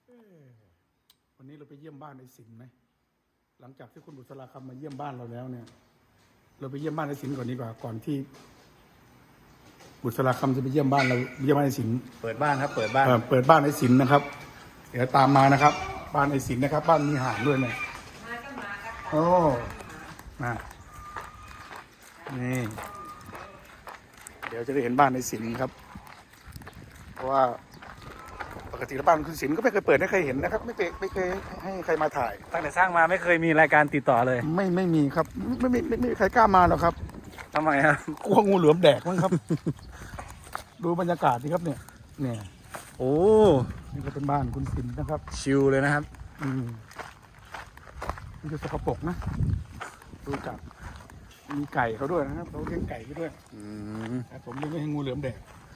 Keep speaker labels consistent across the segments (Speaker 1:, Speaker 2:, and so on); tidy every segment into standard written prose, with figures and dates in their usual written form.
Speaker 1: วันนี้เราไปเยี่ยมบ้านไอ้สินไหมหลังจากที่คุณบุษราคำมาเยี่ยมบ้านเราแล้วเนี่ย เราไปเยี่ยมบ้านไอ้สินก่อนดีกว่าก่อนที่ บุษราคำจะไปเยี่ยมบ้านเราเยี่ยมบ้านไอ้สิน
Speaker 2: เปิดบ้านครับเปิดบ้าน
Speaker 1: เปิดบ้านไอ้สินนะครับ เดี๋ยวตามมานะครับ บ้านไอ้สินนะครับ บ้านมีห่านด้วยเนี่ยโอ้นะนี่เดี๋ยวจะได้เห็นบ้านไอ้สินครับ เพราะว่าปกติแล้วบ้านคุณสินก็ไม่เคยเปิดให้ใครเห็นนะครับไม่เคยให้ใครมาถ่าย
Speaker 2: ตั้งแต่สร้างมาไม่เคยมีรายการติดต่อเลย
Speaker 1: ไม่มีครับไม่มีใครกล้ามาหรอกครับ
Speaker 2: ทำไมครับ
Speaker 1: กลัวงูเหลือมแดกมั้งครับ ดูบรรยากาศดีครับเนี่ย
Speaker 2: โอ้
Speaker 1: นี่ก็เป็นบ้านคุณสินนะครับ
Speaker 2: ชิลเลยนะครับ
Speaker 1: มันจะสกปรกนะดูจากมีไก่เขาด้วยนะครับเขาเลี้ยงไก่เขาด้วยแต่ผมเลี้ยงไม่ให้งูเหลือมแดก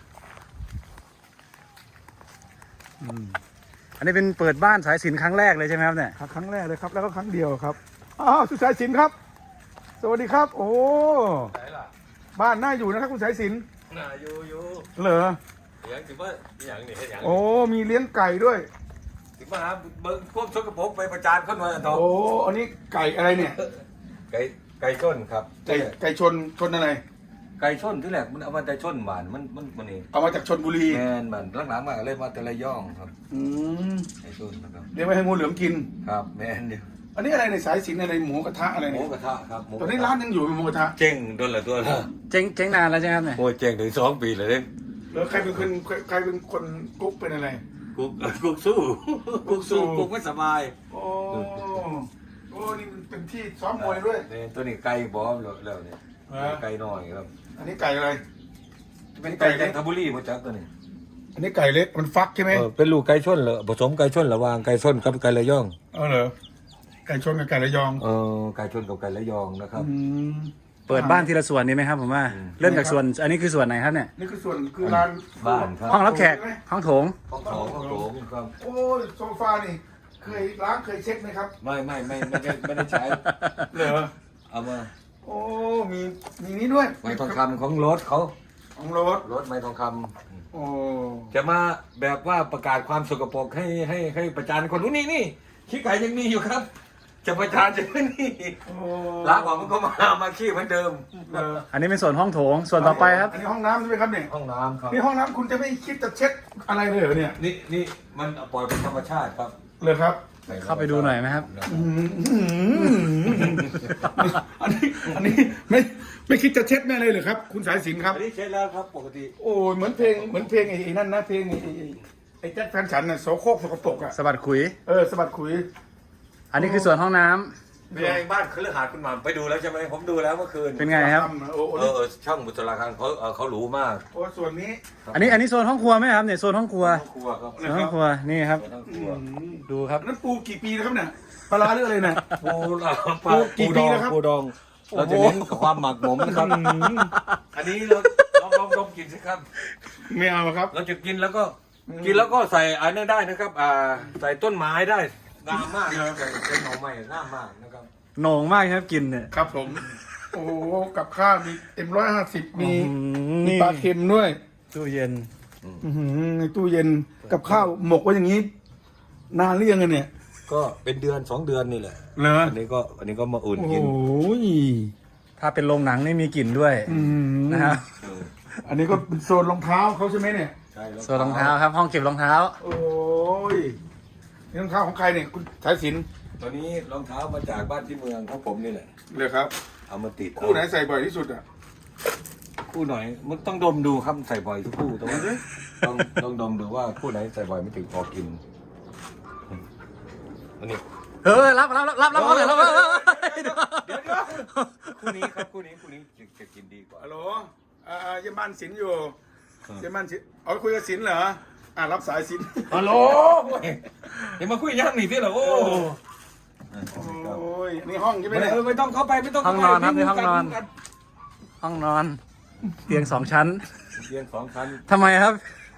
Speaker 2: อันนี้เป็นเปิดบ้านสายสิญจน์ครั้งแรกเลยใช่ไหมครับเนี่ย
Speaker 1: ครั้งแรกเลยครับ แล้วก็ครั้งเดียวครับอ้าวคุณสายสินครับ สวัสดีครับ โอ้บ้านน่าอยู่นะครับคุณสายสิน
Speaker 3: น่าอยู่
Speaker 1: เหรอ
Speaker 3: อย่างถือว่าอย่างนี้ให้อย่าง
Speaker 1: โอ้มีเลี้ยงไก่ด้วย
Speaker 3: ถือว่าเบิ้งพวกชกกระพกไปประจานคนมาทอง
Speaker 1: โอ้อันนี้ไก่อะไรเนี่ย
Speaker 3: ไก่ชนครับ
Speaker 1: ไก่ชนอะไร
Speaker 3: ไก่ชนที่แรกมันเอามาแต่ชนหวานมันนี่
Speaker 1: เอามาจากชนบุรี
Speaker 3: แมนมันหลังๆมาเลยมาแต่ละย่องครับ
Speaker 1: อืม
Speaker 3: ไก่ชนนะครับ
Speaker 1: เลี้ยงไว้ให้งูเหลือมกิน
Speaker 3: ครับแมนเดียว
Speaker 1: อันนี้อะไรในสายสินอะไรหมูกระทะอะไร
Speaker 3: หมู
Speaker 1: เนี่ย
Speaker 3: กระทะครับ
Speaker 1: ตอนนี้ร้านยังอยู่เป็นหมูกระทะ
Speaker 3: เจ๊งโดนละตัวละ
Speaker 2: เจ๊งนานแล้วใช่ไหมครับเนี่ย
Speaker 3: โอ้ยเจ๊งถึง2 ปีเลยเด้
Speaker 1: แล้วใครเป็นคนกุ๊กเป็นอะไร
Speaker 3: กุ๊กสู้กุ๊กไม่สบาย
Speaker 1: โอ้นี่มันเป็นที่ซ้อมมวยด้วย
Speaker 3: นี่ตัวนี้ไก่บอมแล้วเนี่ยไก่น้อยครับ
Speaker 1: อันนี้ไก่อะไร
Speaker 3: เป็นไก่จันทบุรีมาจากตัวนี้
Speaker 1: อันนี้ไก่เล็กมันฟักใช่ไหม
Speaker 3: เป็นลูกไก่ชนเหรอผสมไก่ชนระหว่างไก่ชนกับไก่ระย่อง
Speaker 1: เหรอไก่ชนกับไก่ระยอง
Speaker 3: ไก่ชนกับไก่ระยองนะครับ
Speaker 2: เปิดบ้านทีละส่วนนี้ไหมครับผมว่า เริ่มจากส่วน อันนี้คือส่วนไหนครับเนี่ย
Speaker 1: นี่คือส่วนคือร้าน
Speaker 3: บ้านครับ
Speaker 2: ห้องรับแขก ห้องโถง
Speaker 3: ห้องโถงครับ
Speaker 1: โอ้ยโซฟานี่เคยล้างเคยเช็คไหมครับ
Speaker 3: ไม่ได้ใช้
Speaker 1: เหรอ
Speaker 3: เอามา
Speaker 1: โอ้มีนี้ด้วย
Speaker 3: ไม้ทองคำของรถเขา
Speaker 1: ของรถ
Speaker 3: รถไม้ทองค
Speaker 1: โอ้
Speaker 3: ำจะมาแบบว่าประกาศความสกปรกให้ประจานคนรู้นี่ขี้ไก่ยังมีอยู่ครับ จะประจานจะนี่
Speaker 1: โอ้
Speaker 3: ล้างออกมันก็มาขี้เหมือนเดิม
Speaker 1: เหรอ
Speaker 2: อันนี้เป็นส่วนห้องโถง ส่วนต่อไปครับ
Speaker 1: อันนี้ห้องน้ำใช่ไหมครับเนี่ย
Speaker 3: ห้องน้ำครับ
Speaker 1: นี่ห้องน้ำคุณจะไม่คิดจะเช็ดอะไรเลยเหรอเนี่ย
Speaker 3: นี่มันปล่อยเป็นธรรมชาติครับ
Speaker 1: เลยครับ
Speaker 2: เข้าไปดูหน่อยไหมครับ
Speaker 1: อันนี้ไม่คิดจะเช็ดแม่เลยเหรอครับ คุณสายสินครับ
Speaker 3: อันนี้เช็ดแล้วครับปกติ
Speaker 1: โอ้ยเหมือนเพลงไอ้นั่นนะเพลงไอ้แจ็คแฟนฉันน่ะโสโครกสกปรกอ่ะ
Speaker 2: สะบัดขุย
Speaker 1: สะบัดขุย
Speaker 2: อันนี้คือส่วนห้องน้ำ
Speaker 3: เป็นไงบ้านคฤหาสน์คุณหม่ำไปดูแล้วใช่ไหมผมดูแล้วเมื่อคืน
Speaker 2: เป็นไงครับ
Speaker 1: โอ้
Speaker 3: ช่างบุตราคารเขาหรูมาก
Speaker 1: โอ้ส่วนนี้
Speaker 2: อันนี้โซนห้องครัวไหมครับเนี่ยโซนห้องครัว
Speaker 3: ครัวครับ
Speaker 2: โซนห้องครัว นี่ครับ
Speaker 3: ทั้งครัว
Speaker 2: ดูครับ
Speaker 1: นั้นปูกี่ปีนะครับเนี่ยปลาร้าหรืออะไรเนี่ย
Speaker 3: ปูดองปูดองเราจะเน้นกับความหมักหมมนะครับอันนี้เราลองกินสิครับ
Speaker 1: ไม่เอาครับ
Speaker 3: เราจะกินแล้วก็ใส่อันนั้นได้นะครับใส่ต้นไม้ได้งามมากใส่เป็นหน่อไม้งามมากนะครับ
Speaker 2: โหน่งมากครับกินเนี่ย
Speaker 1: ครับผม โอ้กับข้าวมีM150มี
Speaker 2: นี่
Speaker 1: ปลาเค็มด้วย
Speaker 2: ตู้เย็น
Speaker 1: ในตู้เย็นกับข้าวหมกไว้อย่างนี้นานหรือยังเนี่ย
Speaker 3: ก็เป็นเดือน2 เดือนนี่แหละ
Speaker 1: เหรอ
Speaker 3: อันนี้ก็มาอุ่น
Speaker 1: โอ้
Speaker 3: กิน
Speaker 1: ย
Speaker 2: ถ้าเป็นโรงหนังนี่มีกลิ่นด้วยนะครับ
Speaker 1: อันนี้ก็เป็นโซนรองเท้าเขาใช่ไหมเนี่ย
Speaker 3: ใช่
Speaker 2: ส่วนรองเท้าครับ ห้องเก็บรองเท้า
Speaker 1: โอ้ยนี่รองเท้าของใครเนี่ยคุณสายสิน
Speaker 3: ตัวนี้รองเท้ามาจากบ้านที่เมืองของผมนี่แหละ
Speaker 1: เลยครับ
Speaker 3: เอามาติด
Speaker 1: คู่ไหนใส่บ่อยที่สุดอ่ะ
Speaker 3: คู่หน่อยมันต้องดมดูครับใส่บ่อยทุกคู่แต่ว่าต้องดมดูว่าคู่ไหนใส่บ่อยไม่ถึงพอกินอันนี้
Speaker 2: รับเลยรับ
Speaker 3: เดี๋ยวคู่นี้ครับคู่นี้จะกินดีกว่า
Speaker 1: ฮัลโหลเยี่ยมบ้านสินอยู่เยี่ยมบ้านสินคุยกับสินเหรอรับสายสิน
Speaker 3: ฮัลโหลเดี๋ยวมาคุยย่างหนีที่เหรอโอ้
Speaker 1: โอ้ยนี่ห้องใช่ไหมเนี่ย
Speaker 3: ไม่ต้องเข้าไปไม่ต้อง
Speaker 2: ห้องนอนครับในห้องนอน ห้องนอน เตียง2 ชั้น
Speaker 3: เตียง2 ชั้น
Speaker 2: ทำไมครับ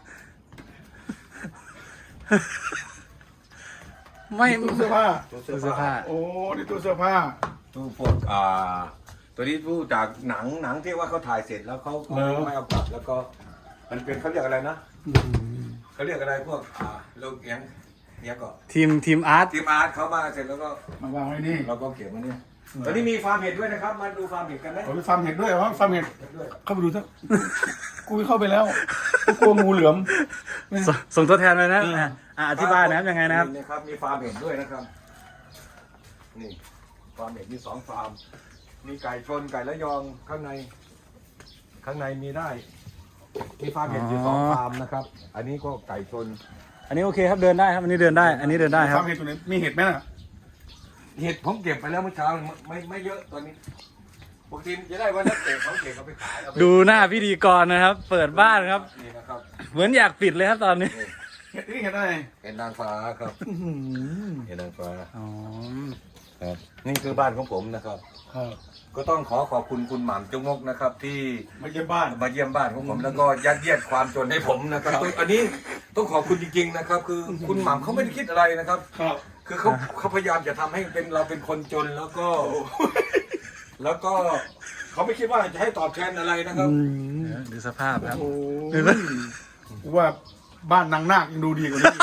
Speaker 2: ไม่
Speaker 1: ตู้เสื้อผ้า
Speaker 3: ตู้
Speaker 2: ตู้เสื้อผ้า
Speaker 1: โอ้นี่ตู้เสื้อผ้า
Speaker 3: ตู้พวกตัวนี้ตู้จากหนังที่ว่าเขาถ่ายเสร็จแล้วเขาไม่เอากลับแล้วก็มันเป็นเขาเรียกอะไรนะเขาเรียกอะไรพวกโลกเอียงเนี่ยก็
Speaker 2: ทีมอาร์ต
Speaker 3: ทีมอาร์ตเขามาเสร็จแล้วก็
Speaker 1: มาวางไว้นี่
Speaker 3: เราก็เก็บมาเนี่ยตอนนี้มีฟาร์มเห็ดด้วยนะครับมาดูฟาร์มเห็ดกันไหม
Speaker 1: โอ้ยฟาร์มเห็ดด้วยเหรอฟาร์มเห็ด
Speaker 3: ด้วย
Speaker 1: เข้าไปดูเถอะกูเข้าไปแล้วกูกลัวงูเหลือม
Speaker 2: ส่งตัวแทนเลยนะอธิบายนะครับยังไงนะครับ
Speaker 3: นี่นะครับมีฟาร์มเห็ดด้วยนะครับนี่ฟาร์มเห็ดมี2 ฟาร์มมีไก่ชนไก่ละยองข้างในมีได้มีฟาร์มเห็ดอยู่
Speaker 2: อ๋อ
Speaker 3: 2 ฟาร์มนะครับ อันนี้ก็ไก่ชน
Speaker 2: อันนี้โอเคครับเดินได้ครับอันนี้เดินได้ อันนี้เดินได้ครับ
Speaker 1: ฟาร์มเห็ดตัวไหนมีเห็ดไหมน่ะ
Speaker 3: เห็ดผมเก็บไปแล้วเมื่อเช้าไม่เยอะตอนนี้ปกติจะได้วันละเก็บเขาเก็บเอาไปขายเอาไป
Speaker 2: ดูหน้าพิธีกรนะครับ เปิดบ้านครับ
Speaker 3: นี่นะครับ
Speaker 2: เหมือนอยากปิดเลยครับตอนนี้
Speaker 1: เห็ดนี่เห็ดอะไร
Speaker 3: เห็ดนางฟ้าครับเห็ดนางฟ้า
Speaker 2: อ๋อ
Speaker 3: ครับนี่คือบ้านของผมนะครับ
Speaker 1: ครับ
Speaker 3: ก็ต้องขอบคุณคุณหม่ำจงมกนะครับ ที่
Speaker 1: มาเยี่ยมบ้าน
Speaker 3: มาเยี่ยมบ้านของผมแล้วก็ยัดเยียดความจนให้ผมนะครับอันนี้ต้องขอบคุณจริงๆนะครับ คือคุณหม่ำเขาไม่ได้คิดอะไรนะครับ
Speaker 1: ครับ
Speaker 3: คือเขาพยายามจะทำให้เราเป็นคนจนแล้วก็ แล้วก็เขาไม่คิดว่าจะให้ตอบแทนอะไรนะครับ
Speaker 2: ดูสภาพครับ
Speaker 1: โอ้ยกูว่าบ้านนางนาคยังดูดีกว่านี้อีก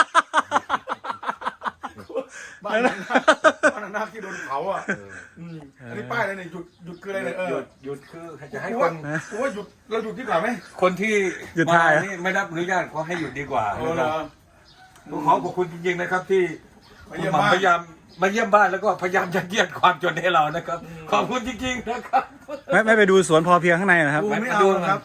Speaker 1: บ้านนางนาคบ้านนางนาคที่โดนเผาอ่ะมอันนี้ป้ายอะไรเนี่ยหยุดคืออะไรเนี่ย
Speaker 3: หยุดคือจะให้
Speaker 1: กู
Speaker 3: ค
Speaker 1: ว่าน กูว่าหยุดเราหยุดดีกว่าไหม
Speaker 3: คนที่
Speaker 2: หยุดถ่าย
Speaker 3: มานี่ไม่รับอนุญาตเขาให้หยุดดีกว่า
Speaker 1: เออเหรอ
Speaker 3: ผมขอบคุณจริงๆนะครับ ที่
Speaker 1: มา
Speaker 3: คุ
Speaker 1: เยี่
Speaker 3: ณ
Speaker 1: ยม
Speaker 3: หม่ำ
Speaker 1: บ้าน
Speaker 3: พยายามมาเยี่ยมบ้านแล้วก็พยายามยัดเยียดความจนให้เรานะครับ ขอบคุณจริงๆนะครับ
Speaker 2: ไม่ไปดูสวนพอเพียงข้างในนะครับ
Speaker 1: กูไม่เอาครับ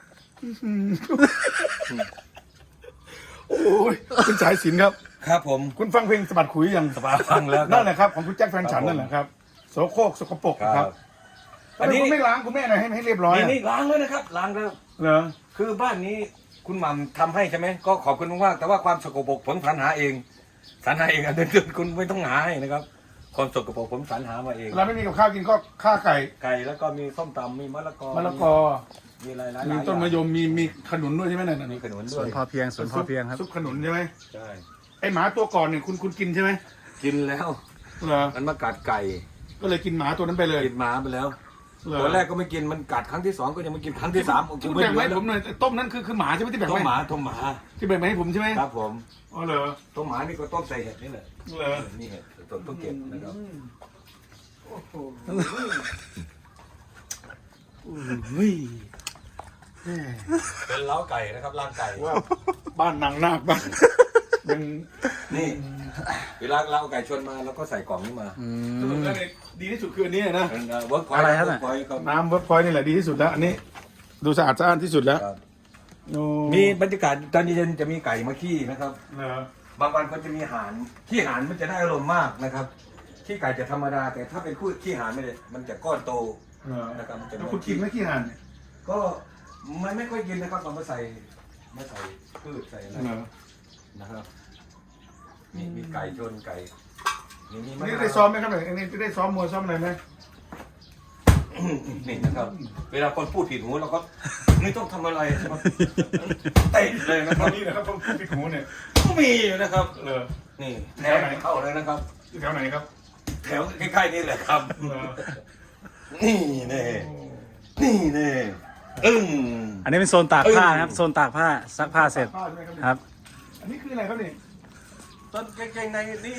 Speaker 1: โอ้ยคุณสายสินครับ
Speaker 3: ครับผม
Speaker 1: คุณฟังเพลงสะบัดขุยยัง
Speaker 3: ฟังแล้วครับ
Speaker 1: นั่นแหละครับของคุณแจ็คแฟนฉันนั่นแหละครับโสโครกสกปรกนะครับ
Speaker 3: อันนี้
Speaker 1: คุณไม่ล้างคุณแม่หน่อยให้เรียบร้อย
Speaker 3: นี่ล้างแล้วนะครับล้างแล้ว
Speaker 1: เหรอ
Speaker 3: คือบ้านนี้คุณหม่ำทำให้ใช่ไหมก็ขอบคุณมากๆแต่ว่าความสกปรกผมสรรหาเองสรรหาเองอันเดินคุณไม่ต้องหาให้นะครับความสกปรกผมสรรหามาเอง
Speaker 1: เราไม่มีกับข้าวกินก็ข้าวไก่
Speaker 3: ไก่แล้วก็มีส้มตำมีมะละกอ
Speaker 1: มะละกอ
Speaker 3: มีอะไรหลาย
Speaker 1: มี
Speaker 3: ๆ
Speaker 1: ต้นมะย
Speaker 3: อย่าง
Speaker 1: มมีขนุนด้วยใช่ไหมนั่น
Speaker 3: มี
Speaker 1: น่ะ
Speaker 3: ขนุน
Speaker 2: ส
Speaker 3: ด้
Speaker 2: ว
Speaker 3: วน ย
Speaker 2: พอเพียงสวนพอเพียงครับ
Speaker 1: ซุปขนุนใช่ไหม
Speaker 3: ใช่
Speaker 1: ไอหมาตัวก่อนเนี่ยคุณกินใช่ไหม
Speaker 3: กินแล้ว
Speaker 1: เหรอ
Speaker 3: มันมากัดไก่
Speaker 1: ก็เลยกินหมาตัวนั้นไปเลย
Speaker 3: กินหมาไปแล้ว
Speaker 1: เหรอ
Speaker 3: ตัวแรกก็ไม่กินมันกัดครั้งที่2ก็ยังไม่กินครั้งที่3
Speaker 1: คุณแบ่งมาให้ผมหน่อยต้มนั้นคือหมาใช่ไหมที่แบ่ง
Speaker 3: ต้ม
Speaker 1: ไว้
Speaker 3: หมาต้มหมา
Speaker 1: ที่แบ่งมาให้ผมใช่ไหม
Speaker 3: ครับผม
Speaker 1: อ๋อเหรอ
Speaker 3: ต้มหมานี่ก็ต้มใส่เห็ดนี่แหละ
Speaker 1: เหรอ
Speaker 3: นี่เห็ดต้องเก็บนะครับ
Speaker 1: โอ้โห
Speaker 3: เป็นเล้าไก่นะครับร่างไก่
Speaker 1: ว่าบ้านนางนาคบ้านยัง
Speaker 3: นี่เวลาเราเอาไก่ชนมาเราก็ใส่กล่องนี้มา
Speaker 1: สรุปแล้วเนี่ยดีที่สุดคืออันนี้นะ
Speaker 3: เป็นเวิร์กพอยต์
Speaker 2: อะไรครับ
Speaker 3: เวิร์กพอยต์ครับ
Speaker 1: น้ำเวิร์กพอยต์นี่แหละดีที่สุดแล้ว อันนี้ ดูสะอาดสะอ้านที่สุดแล้ว
Speaker 3: ครับ
Speaker 1: โอ้
Speaker 3: มีบรรยากาศตอนเย็นจะมีไก่มาขี้นะครับ
Speaker 1: เหรอบ
Speaker 3: างวันก็จะมีห่านขี้ห่านมันจะได้อารมณ์มากนะครับขี้ไก่จะธรรมดา แต่ถ้าเป็นคู่ขี้ห่านไม่ได้มันจะก้อนโต
Speaker 1: เหรอ
Speaker 3: นะครับจะ
Speaker 1: แล้วคุณกินไหมขี้ห่านเนี่ย
Speaker 3: ก็มันไม่ค่อยกินนะครับเรามาใส่พืชใส่อะไร
Speaker 1: เหรอ
Speaker 3: นะครับมีไก่ชนไก่นี่
Speaker 1: นี่ได้ซ้อมไหมครับเนี่ยอันนี้ได้ซ้อมมวยซ้อมอะไรไหม
Speaker 3: นี่นะครับ เวลาคนพูดผิดหูเราก็ไม่ต้องทำอะไรนะครับเตะเลยนะค
Speaker 1: ต
Speaker 3: รั
Speaker 1: อบ นนี้นะครับผมพูดผิดหูเนี่ย
Speaker 3: ก็มีอยู่นะครับ
Speaker 1: เหรอ
Speaker 3: นี่แถวไหนเข้าเลยนะครับ
Speaker 1: อยู่แถวไหนครับ
Speaker 3: แถวใกล้ๆนี่แหละครับ
Speaker 1: เหรอ
Speaker 3: นี่แน่อึ้ง
Speaker 2: อันนี้เป็นโซนตากผ้านะครับโซนตากผ้าซักผ้าเสร็จ
Speaker 1: ผ้าใช่ไหมครับเนี่ย
Speaker 2: ครับ
Speaker 1: อันนี้คืออะไรครับเนี่ย
Speaker 3: ต้นกางเกงในนี่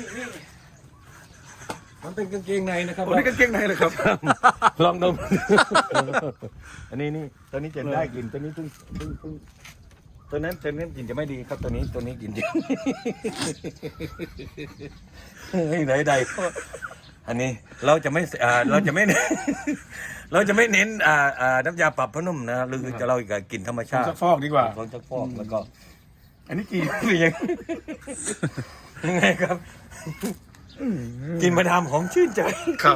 Speaker 3: มันเป็นกางเกงในนะครับ
Speaker 1: โอ้นี่กางเกงในเลยครับ
Speaker 3: ลองดม อันนี้นี่ตัวนี้จะได้กลิ่นตัวนี้ตัวนั้นกลิ่นจะไม่ดีครับตัวนี้กลิ่นจะ เฮ้ยไหนอันนี้เราจะไม่เราจะไม่เน้น เราจะไม่เน้นน้ำยาปรับผ้านุ่มนะหรือจะเราจะกลิ่นธรรมชาติ
Speaker 1: ซักฟอกดีกว่า
Speaker 3: ของชักฟอกแล้วก็
Speaker 1: อันนี้กี่
Speaker 3: ยังไงครับ กินมาดามหอมชื่นใจ
Speaker 1: ครับ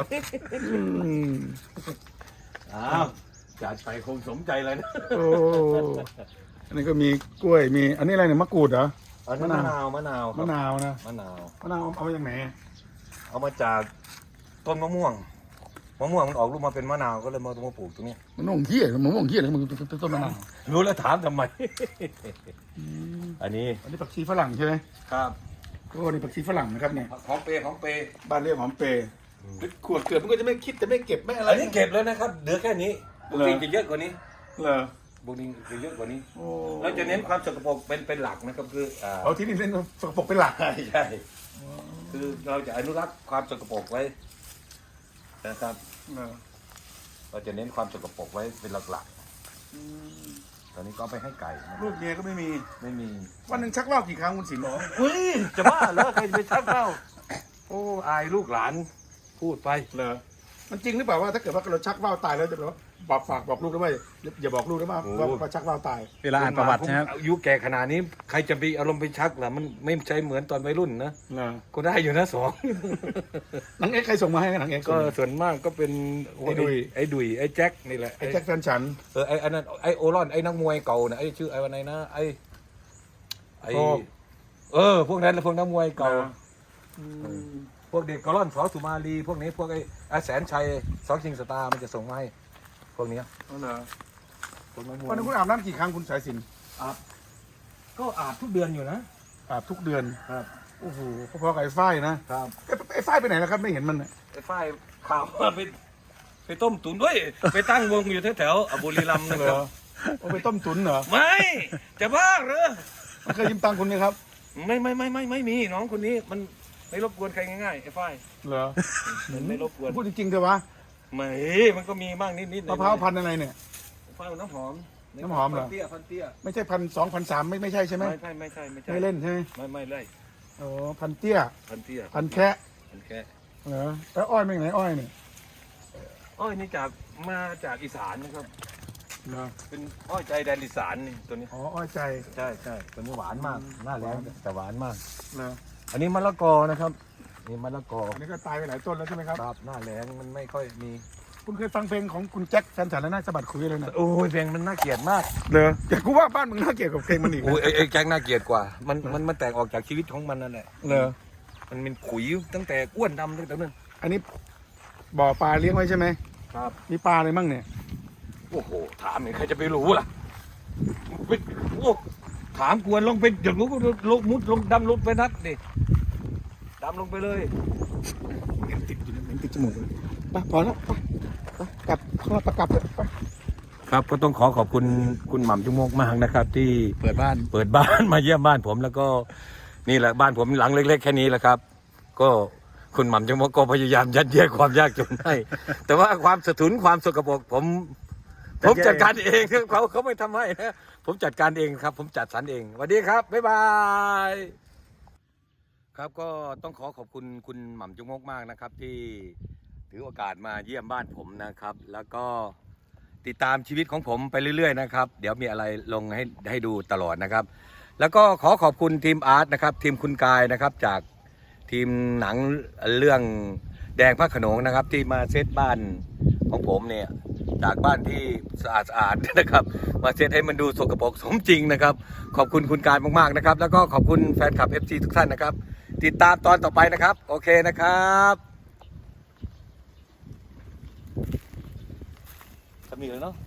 Speaker 3: อ้าวจัดไปคงสมใจเลยนะ
Speaker 1: โอ้อันนี้ก็มีกล้วยมีอันนี้อะไรเนี่ยมะกรูดเหรอ
Speaker 3: อันนี้มะนาว
Speaker 1: มะนาวนะ
Speaker 3: มะนาว
Speaker 1: มะนาวเอามาจากไหน
Speaker 3: เอามาจากต้นมะม่วงมันออกลูกมาเป็นมะนาวก็เลยมาปลูกตรงนี้
Speaker 1: มันม่วงเหี้ยมันม่วงเหี้ยเลยมันเป็นต้นมะนาว
Speaker 3: รู้แล้วถามทำไม อันนี้
Speaker 1: อันนี้ผักชีฝรั่งใช่ไหม
Speaker 3: ครับ
Speaker 1: โอ้นี่ผักชีฝรั่งนะครับเนี่ย
Speaker 3: ของเปย์
Speaker 1: บ้านเรียกหอมเปย์ขวดเกิดมันก็จะไม่คิดจะไม่เก็บไม่อะไร
Speaker 3: อันนี้เก็บแล้วนะครับเหลือแค่นี้ปกติจะเยอะกว่านี้
Speaker 1: เหรอ
Speaker 3: พวกนี้จะเยอะกว่านี้
Speaker 1: โอ้
Speaker 3: เราจะเน้นความสกปรกเป็นหลักนะครับคือ
Speaker 1: เอาที่นี่เล่นสกปรกเป็นหลัก
Speaker 3: ใช่คือเราจะอนุรักษ์ความสกปรกไว้นะครับเราจะเน้นความสกปรกไว้เป็นหลักๆตอนนี้ก็เอาไปให้ไก่นะครับ
Speaker 1: ลูกเมียก็ไม่มี
Speaker 3: ไม่มี
Speaker 1: วันหนึ่งชักว่าวกี่ครั้งคุณสิน
Speaker 3: เฮ้ยจะบ้าเหรอใครจะไปชักเล่าโอ้อายลูกหลานพูดไป
Speaker 1: เหรอมันจริงหรือเปล่าว่าถ้าเกิดว่าเราชักว่าวตายแล้วจะแบบว่าบอกลูกได้ไหมอย่าบอกลูกได้ไหมว่าชักว่าวตาย
Speaker 2: เวลาอ่านประวัตินะครับ
Speaker 3: อายุแก่ขนาดนี้ใครจะมีอารมณ์ไปชักล่ะมันไม่ใช่เหมือนตอนวัยรุ่นนะ
Speaker 1: เหรอ
Speaker 3: ก็ได้อยู่นะสอง
Speaker 1: หนังเอ็กซ์ใครส่งมาให้หนังเอ็กซ์
Speaker 3: ก็ส่วนมากก็เป็น
Speaker 1: ไอ้ดุย
Speaker 3: ไอ้ดุยไอ้แจ็คนี่แหละ
Speaker 1: ไอ้แจ็คแฟนฉัน
Speaker 3: ไอ้อันนั้นไอ้โอรอนไอ้นักมวยเก่านะไอ้ชื่อไอ้วันไหนนะไอ้
Speaker 1: โอ้
Speaker 3: พวกนั้นแหละพวกนักมวยเก่า
Speaker 1: เหรอ
Speaker 3: พวกเด็กกอลอนสอสุมาลีพวกนี้พวกไอ้แสนชัยสองชิงสตาร์มันจะส่งมาให้พวกเนี้ย
Speaker 1: เอาเหรอ
Speaker 3: พวกนักมว
Speaker 1: วัน
Speaker 3: ย
Speaker 1: นึงคุณอาบน้ำกี่ครั้งคุณสายสิน
Speaker 3: ก็อาบทุกเดือนอยู่นะ
Speaker 1: อาบทุกเดือน
Speaker 3: ครับ
Speaker 1: โอ้โหพอๆกับไอ้ฝ้ายนะครับ ไอ้ฝ้ายไปไหนแล้วครับไม่เห็นมันน่ะ
Speaker 3: ไอ้ฝ้ายข่าวว่าไปต้มตุ๋นด้วยไปตั้งวงอยู่แถวๆบุรีรัมย์นะ
Speaker 1: เหร
Speaker 3: ครั
Speaker 1: อบ เอาไปต้มตุ๋นเหรอ
Speaker 3: ไม่จะบ้าเหรอ
Speaker 1: มันเคยยืมตังค์คุณไหมครับ
Speaker 3: ไม่มีน้องคนนี้มันไม่รบกวนใครง่ายๆไอ้ฝ้าย
Speaker 1: เหรอ
Speaker 3: มันไม่รบกวน
Speaker 1: พูดจริงๆเถอะวะ
Speaker 3: ไม่มันก็มีบ้างนิดๆ
Speaker 1: มะพร้าวพันธุ์อะไรเนี่ย
Speaker 3: ฝ้ายน้ำหอม
Speaker 1: น้ำหอมเหรอ
Speaker 3: พันเตี้ยพันเตี้ย
Speaker 1: ไม่ใช่1,200 1,300ไม่ใช่ใช่ไหม
Speaker 3: ไม่ใช่
Speaker 1: ไม่เล่นใช่ไหม
Speaker 3: ไม่เลย
Speaker 1: โอ้พันเตี้ย
Speaker 3: พันเตี้ย
Speaker 1: พันแคะ
Speaker 3: พันแค่
Speaker 1: เหรอแล้วอ้อยเป็นไหนอ้อยเนี่ย
Speaker 3: อ้อยนี่มาจากอีสานนะครับ
Speaker 1: เหรอ
Speaker 3: เป็นอ้อยใจแดนอีสานนี่ตัวนี้
Speaker 1: อ๋ออ้อยใจ
Speaker 3: ใช่ตัวนี้หวานมากหน้าแรงแต่หวานมาก
Speaker 1: เหรอ
Speaker 3: อันนี้มะละกอนะครับนี่มะละกอ
Speaker 1: อันนี้ก็ตายไปหลายต้นแล้วใช่ไหมครับ
Speaker 3: ครับหน้าแรงมันไม่ค่อยมี
Speaker 1: คุณเคยฟังเพลงของคุณแจ็คแฟนฉันแล้วน่าสะบัดคุยเลยนะ
Speaker 3: โอ้ยเพลงมันน่าเกลียดมาก
Speaker 1: เหรอแต่กูว่าบ้านมึงน่าเกลียดกับเพลงมันอีก
Speaker 3: โอ้ยไอ้แจ็คน่าเกลียดกว่า มันแตกออกจากชีวิตของมันนั่นแหละ
Speaker 1: เหรอ
Speaker 3: มันเป็นขุยตั้งแต่อ้วนดำตั้งแต่นั้น
Speaker 1: อันนี้บ่อปลาเลี้ยงไว้ใช่ไหม
Speaker 3: ครับ
Speaker 1: มีปลาอะไรมั่งเนี่ย
Speaker 3: โอ้โหถามเนี่ยใครจะไปรู้ล่ะไปโอ้ถามกวนลงไปอยากรู้ก็ลงมุดลงดำลงไปนัดดิดำลงไปเลย
Speaker 1: เหม็นติดอยู่เนี่ยเหม็นติดจมูกเลยไปพอแล้วไปกลับเข้ามาประกับเลยไป
Speaker 3: ครับก็ต้องขอบคุณคุณหม่ำจุมกมากนะครับ ที่
Speaker 2: เปิดบ้าน
Speaker 3: เปิดบ้าน มาเยี่ยมบ้านผมแล้วก็นี่แหละบ้านผมหลังเล็กๆแค่นี้แหละครับ ก็คุณหม่ำจุมกก็พยายามยัดเยียดความยากจนให้ แต่ว่าความสะทุนความสกปรกผมจัดการเองเขาไม่ทำให้นะผมจัดการเองครับ ผมจัดสรรเองสวัสดีครับบ๊ายบายครับก็ต้องขอบคุณคุณหม่ำจุมกมากนะครับ ที่ถือโอกาสมาเยี่ยมบ้านผมนะครับ แล้วก็ติดตามชีวิตของผมไปเรื่อยๆนะครับเดี๋ยวมีอะไรลงให้ดูตลอดนะครับ แล้วก็ขอบคุณทีมอาร์ตนะครับทีมคุณกายนะครับจากทีมหนังเรื่องแดงพระโขนงนะครับที่มาเซตบ้านของผมเนี่ยจากบ้านที่สะอาดนะครับมาเซตให้มันดูสกปรกสมจริงนะครับขอบคุณคุณกายมากๆนะครับแล้วก็ขอบคุณแฟนคลับ FC ทุกท่านนะครับติดตามตอนต่อไปนะครับโอเคนะครับจะมีเลยเนาะ